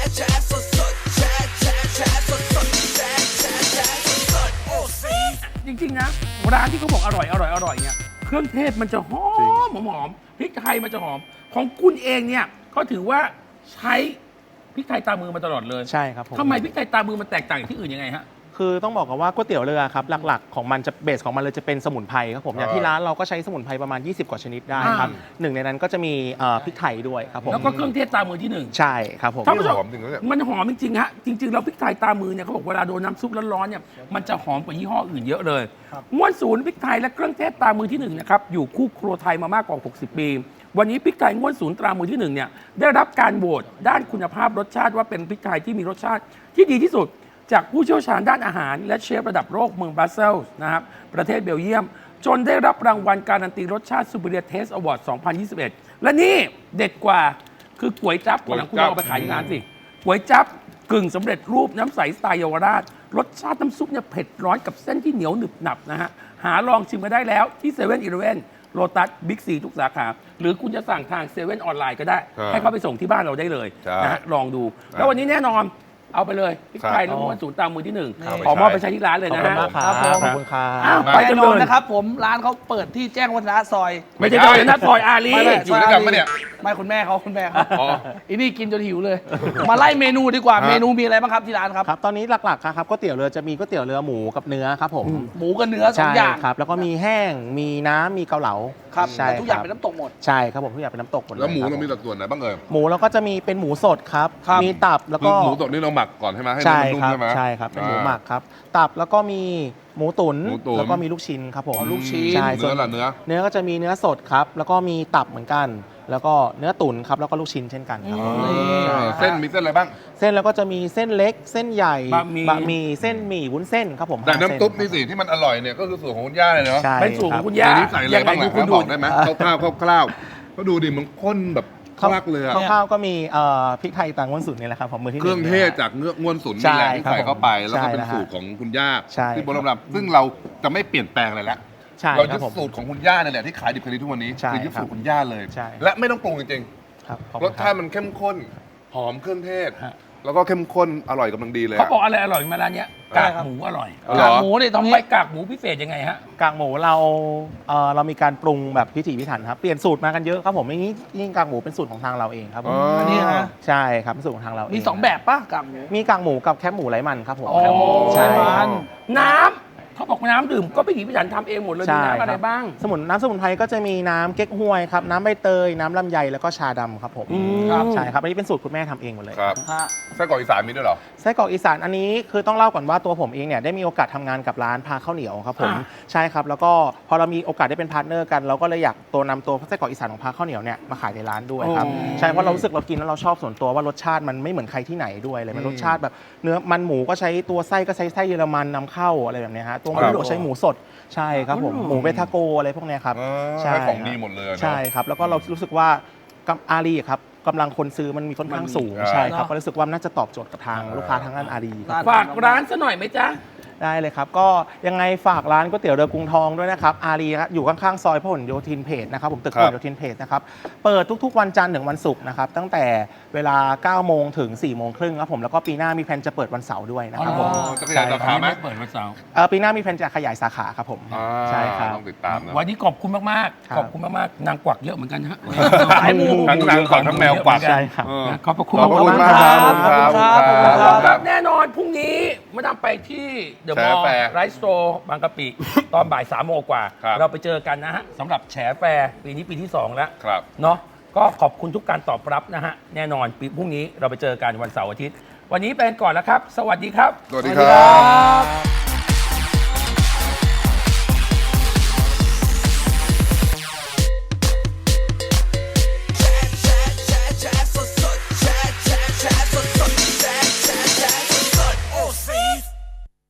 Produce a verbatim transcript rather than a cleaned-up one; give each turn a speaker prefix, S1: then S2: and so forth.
S1: แชร์สดสดแชร์แชร์แชร์สดสดแชร์แชร์แชร์สดสดโอ้ซี
S2: จริงๆนะร้านที่เขาบอกอร่อยอร่อยอร่อยเนี่ยเครื่องเทศมันจะหอมหอมพริกไทยมันจะหอมของคุณเองเนี่ยเขาถือว่าใช้พริกไทยตามือมาตลอดเลย
S3: ใช่ครับผม
S2: ทำไมพริกไทยตามือมันแตกต่างจากที่อื่นยังไงฮะ
S3: คือต้องบอกกันว่าก๋วยเตี๋ยวเรือครับหลักๆของมันจะเบสของมันเลยจะเป็นสมุนไพรครับผมอย่างที่ร้านเราก็ใช้สมุนไพรประมาณยี่สิบกว่าชนิดได้ครับหนึ่งในนั้นก็จะมีพริกไทยด้วยครับผม
S2: แล้วก็เครื่องเทศตามือที่หนึ่ง
S3: ใช่ครับผม
S2: ท่านผู้ชม
S4: หอมจริงนะเนี่ย
S2: มันหอมจริงๆฮะจริงๆแล้วพริกไทยตามือเนี่ยเขาบอกเวลาโดนน้ำซุปร้อนๆเนี่ยมันจะหอมกว่ายี่ห้ออื่นเยอะเลยม้วนศูนย์พริกไทยและเครื่องเทศตามือที่หนึ่งนะครับอยู่คู่ครัวไทยมามากกว่าหกสิบปีวันนี้พริกไทยง้วนศูนย์ตรามือที่หนึ่งเนี่ยได้รับการโหวตด้านคุณภาพรสชาติว่าเป็นพริกไทยที่มีรสชาติที่ดีที่สุดจากผู้เชี่ยวชาญด้านอาหารและเชฟระดับโลกเมืองบรัสเซลส์นะครับประเทศเบลเยียมจนได้รับรางวัลการันตีรสชาติ Superior Taste Award สองพันยี่สิบเอ็ดและนี่เด็ดกว่าคือก๋วยจั๊บก่อนหลังคุณเอาไปขายที่ร้านสิก๋วยจั๊บกึ่งสำเร็จรูปน้ำใสสไตล์เยาวราชรสชาติน้ำซุปเนี่ยเผ็ดร้อนกับเส้นที่เหนียวหนึบหนับนะฮะหาลองชิมกันได้แล้วที่เซเว่นอีเลฟเว่นโลตัสบิ๊กซีทุกสาขาหรือคุณจะสั่งทางเซเว่นออนไลน์ก็ได้ให้เขาไปส่งที่บ้านเราได้เลยนะฮะลองดูแล้ววันนี้แน่นอนเอาไปเลยพริกไทยแล้วม้วนศูนย์ตามมือที่หนึ่งขอมอบไปใช้ที่ร้านเลยนะฮะ
S3: ครับขอบคุณครับ
S2: ไปกันเลย
S5: นะครับผมร้านเขาเปิดที่แจ้งวัฒนะซอย
S2: ไม่ใช่ซอยนะซอยอารี
S4: อยู่ด้วยกันปะเนี่ย
S5: ไม่คุณแม่เขาคุณแม่เขาอีนี่กินจนหิวเลยมาไล่เมนูดีกว่าเมนูมีอะไรบ้างครับที่ร้านครับ
S3: ครับตอนนี้หลักๆครับก๋วยเตี๋ยวเรือจะมีก๋วยเตี๋ยวเรือหมูกับเนื้อครับผม
S5: หมูกับเนื้อสองอย่าง
S3: ครับแล้วก็มีแห้งมีน้ำมีเกาเหลา
S5: ครับ
S3: ใช่
S5: ทุกอย่างเป็นน้ำตกหมด
S3: ใช่ครับผมทุกอย่างเป็นน้ำตกหมด
S4: แล้วหมูเรามีสัดส่วนไหนบ้างเอ่ย
S3: หมูเราก็จะมีเป็นหมูสดครับมีตับแล้วก็
S4: หมูสดนี่เราหมักก่อนใช่ไหมให้มันนุ่มใช่ไหม
S3: ใช่ครับเป็นหมูหมักครับตับแล้วก็มีหมูตุ๋นแล้วก็มีลูกชิ้นครับผม
S5: ลูกชิ้น
S3: ใช่
S4: เนื้อละเนื้อ
S3: เนื้อก็จะมีเนื้อสดครับแล้วก็มีตับเหมือนกันแล้วก็เนื้อตุ๋นครับแล้วก็ลูกชิ้นเช่นกันครับ
S4: เส้นมีเส้นอะไรบ้าง
S3: เส้นแล้วก็จะมีเส้นเล็กเส้นใหญ่
S2: บะหมี่
S3: บะหมี่เส้นหมี่วุ้นเส้นครับผม
S4: แต่น้ำตุ๊บนี่สิที่มันอร่อยเนี่ยก็คือสูตรของคุณย่าเลยเนาะ
S2: เป็นสูตรของคุณย่า
S4: ใส่อะไรบ้างล่ะคุณบอกได้ไหมคร่าวๆคร่าวๆก็ดูดิมันข้นแบบคลักเลยอะ
S3: ข้าวก็มีพริกไทยต่างง้วนสุนนี่แหละครับผมมือที่
S4: เครื่องเทศจากเนื้อง้วนสุนนี่แหละที่ใส่เข้าไปแล้วก็เป็นสูตรของคุณย่าที่โบราณซึ่งเราจะไม่เปลี่ยนแปลงอะไรแล้วเรายึดสูตรของคุณย่าเนี่ยแหละที่ขายดิบขายดีทุกวันนี้คือยึดสูตรคุณย่าเลยและไม่ต้องปรุงจริงๆรสชาติมันเข้มข้นหอมเครื่องเทศแล้วก็เข้มข้นอร่อยกำลังดีเลย
S2: เขาบอกอะไรอร่อยมาร้านนี้กากหมูอร่อย
S5: กากหมูเนี่ยตรงนี้
S2: ไปกากหมูพิเศษยังไงฮะ
S3: กากหมูเราเออเรามีการปรุงแบบพิถีพิถันครับเปลี่ยนสูตรมากันเยอะครับผมนี่นี่กากหมูเป็นสูตรของทางเราเองครับผม
S5: อันนี้นะ
S3: ใช่ครับเป็นสูตรของทางเรา
S5: มีสองแบบป่ะกากหมู
S3: มีกากหมูกับแคบหมูไร้มันครับผม
S5: ใช่มัน
S2: น้ำเขาบอกน้ำดื่มก็พิถีพิถันทำเองหมดเลยมีน้ำอะไรบ้าง
S3: สมุนน้ำสมุนไพรก็จะมีน้ำเก๊กฮวยครับน้ำใบเตยน้ำลำไยแล้วก็ชาดำครับผมใช่ครับอันนี้เป็นสูตรคุณแม่ทำเองหมดเลย
S4: ครับไส้กรอกอีสานมีด้วยเหรอ
S3: ไส้กรอกอีสานอันนี้คือต้องเล่าก่อนว่าตัวผมเองเนี่ยได้มีโอกาสทำงานกับร้านพาข้าวเหนียวครับผมใช่ครับแล้วก็พอเรามีโอกาสได้เป็นพาร์ทเนอร์กันเราก็เลยอยากตัวนำตัวไส้กรอกอีสานของพาข้าวเหนียวเนี่ยมาขายในร้านด้วยครับใช่เพราะเรารู้สึกเรากินแล้วเราชอบส่วนตัวว่ารสชาติมันไม่เหมือนใครที่ไหนด้วยเลยมันรสชาติแบบเนื้อมันหมูก็ใช้ตัวไส้ก็ใช้ไส้เยอรมันนำเข้าอะไรแบบนี้ฮะตัวหมูก็ใช้หมูสดใช่ครับผมหมูเบทาโกอะไรพวกนี้ครับ
S4: ใช่ของดีหมดเลย
S3: ใช่ครับแล้วก็เรารู้สึกว่าอารีครับกำลังคนซื้อมันมีค่อนข้างสูงใช่ครับก็รู้สึกว่าน่าจะตอบโจทย์กับทางลูกค้าทางด้านอารี
S2: ฝากร้านซะหน่อยไหมจ๊ะ
S3: ได้เลยครับก็ยังไงฝากร้านก๋วยเตี๋ยวเรือกรุงทองด้วยนะครับอารีอยู่ข้างๆซอยพหลโยธินเพจนะครับผมตึกพหลโยธินเพจนะครับเปิดทุกๆวันจันทร์ถึงวันศุกร์นะครับตั้งแต่เวลาเก้าโมงถึงสี่โมงครึ่งครับผมแล้วก็ปีหน้ามีแผนจะเปิดวันเสาร์ด้วยนะครับผม
S4: จะขยายสาขาไหม
S2: เปิดวันเสาร์
S3: ปีหน้ามีแผนจะขยายสาขาครับผมใช่ครับ
S4: ต้องติดตามนะ
S2: วันนี้ขอบคุณมากๆขอบคุณมากๆนางกวักเยอะเหมือนกันฮะ
S4: ทั้งนางกวักทั้งแมวกวัก
S3: ใช่ครับ
S2: ขอบคุณ
S4: มาก
S2: ครับแน่นอนพรุ่งนี้มาดามไปที่เดอะมอลล์ไรส์สโตร์บางกะปิตอนบ่ายสามโมงกว่าเราไปเจอกันนะฮะสำหรับแฉแฟร์ปีนี้ปีที่สองแล้วเนาะก็ขอบคุณทุกการตอบรับนะฮะแน่นอนปีพรุ่งนี้เราไปเจอกันวันเสาร์อาทิตย์วันนี้ไปก่อนแล้วครับสวัสดีครับ
S4: สวัสดีครับ